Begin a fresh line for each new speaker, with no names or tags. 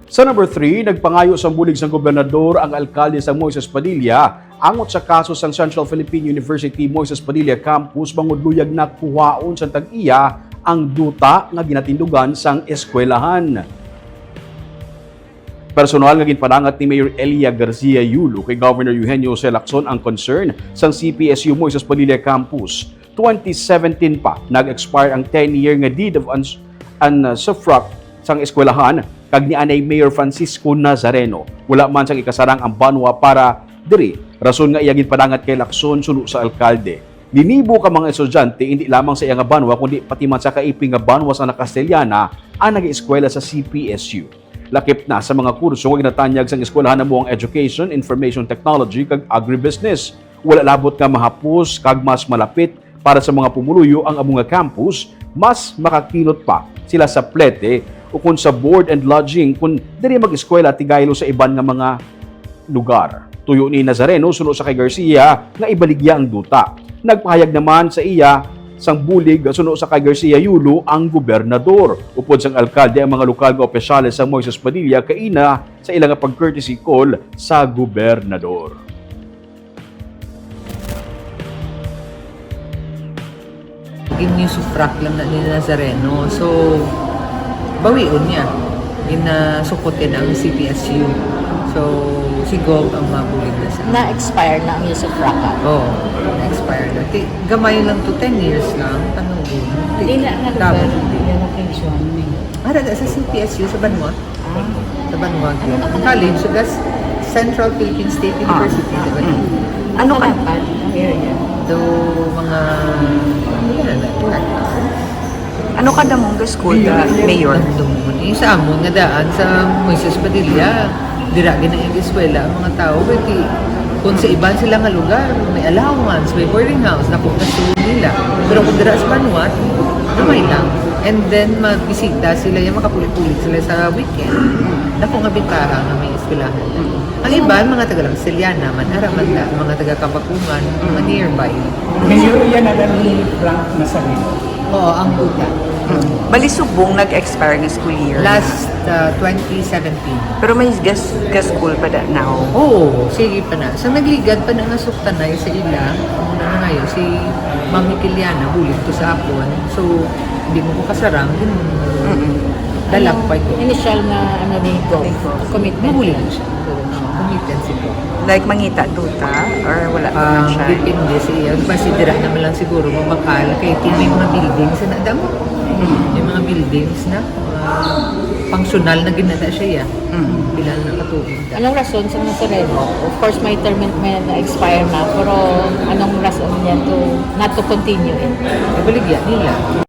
Sa number 3, nagpangayo sa bulig sa gobernador ang alkalde sa Moises Padilla angot sa kaso sa Central Philippine University Moises Padilla Campus mangudluyag na kuhaon sa tag-iya ang duta nga ginatindugan sang eskwelahan. Personal nga ginpadangat ni Mayor Elia Garcia Yulo kay Governor Eugenio C. Lacson ang concern sang CPSU Moises Padilla Campus. 2017 pa nag-expire ang 10-year nga deed of usufruct sang eskwelahan kag ni anay Mayor Francisco Nazareno. Wala man sang ikasarang ang banwa para diri. Rason nga iyagin padangat kay Lacson suno sa alkalde. Ninibo ka mga estudyante hindi lamang sa iyang banwa kundi pati man sa kaiping nga banwa sa Castellana ang nag-eskwela sa CPSU. Lakip na sa mga kurso nga ginatanyag sang eskwelahan na buong Education, Information Technology kag Agribusiness. Wala labot nga mahapos kag mas malapit para sa mga pumuluyo ang among campus, mas makakilot pa sila sa plete o kung sa board and lodging kung diri mag-eskwela tigaylo sa iban nga mga lugar. Tuyo ni Nazareno suno sa kay Garcia nga ibaligya ang duta. Nagpahayag naman sa iya sang bulig suno sa kay Garcia Yulo ang gobernador. Upod sang alkalde ang mga lokal nga opisyales sa Moises Padilla kaina sa ilang pag-courtesy call sa gobernador.
Inusufruct lang na ni Nazareno. So, bawion niya. Inasukotin ang CPSU. So, si Gov ang mabulig na sa...
Na-expire na ang usufruct.
Oo, na-expire na. Gamay lang to, 10 years lang. Panahon.
Hindi na nga lugar yung location.
Sa CPSU, sa Banwa. Sa Banwa. College, so that's Central Philippine State University. Diba?
Ano ka pa? Ang area?
So, mga...
Ano ka damong ga school ga mayor?
Yung sa amon nga daan sa Moises Padilla, dira gina yung eskwela ang mga tao kasi kung sa iban sila nga lugar, may allowance, may boarding house, napunta nila. Pero kung dira sa Vanuatu, gamay lang. And then magbisita sila, yung makapulit-pulit sila sa weekend. Naku nga bitaha nga may eskwelahan. Ang iban, mga taga-Langsiliana, Manharamanda, mga taga-Kabakungan, mga nearby.
Mayor yan na ni Frank Nazareno.
Oo, ang buta.
Balisubong nag-expire ng school year.
Last 2017.
Pero may gas school pa da now.
Oo, sige pa na. Sa nagligad pa na nga suktanay sa ila, muna na ngayon, si Mami Kiliana, hulit to sa apon. So, hindi mo ko kasarang, dalag pa ito.
Initial na ni Go. Commitment.
Mahuli na siya. Commitment si Go.
Like mangita duta or wala pa man siya.
Depende siya. Pasidira naman lang siguro mamakal. Kaya may mga buildings na damo. May mga buildings na functional na ginada siya. Bilang nakatubig.
Anong rason sa Nazareno? Of course, may term may na-expire na. Pero anong rason niya to not to continue it?
Kabaligyan nila.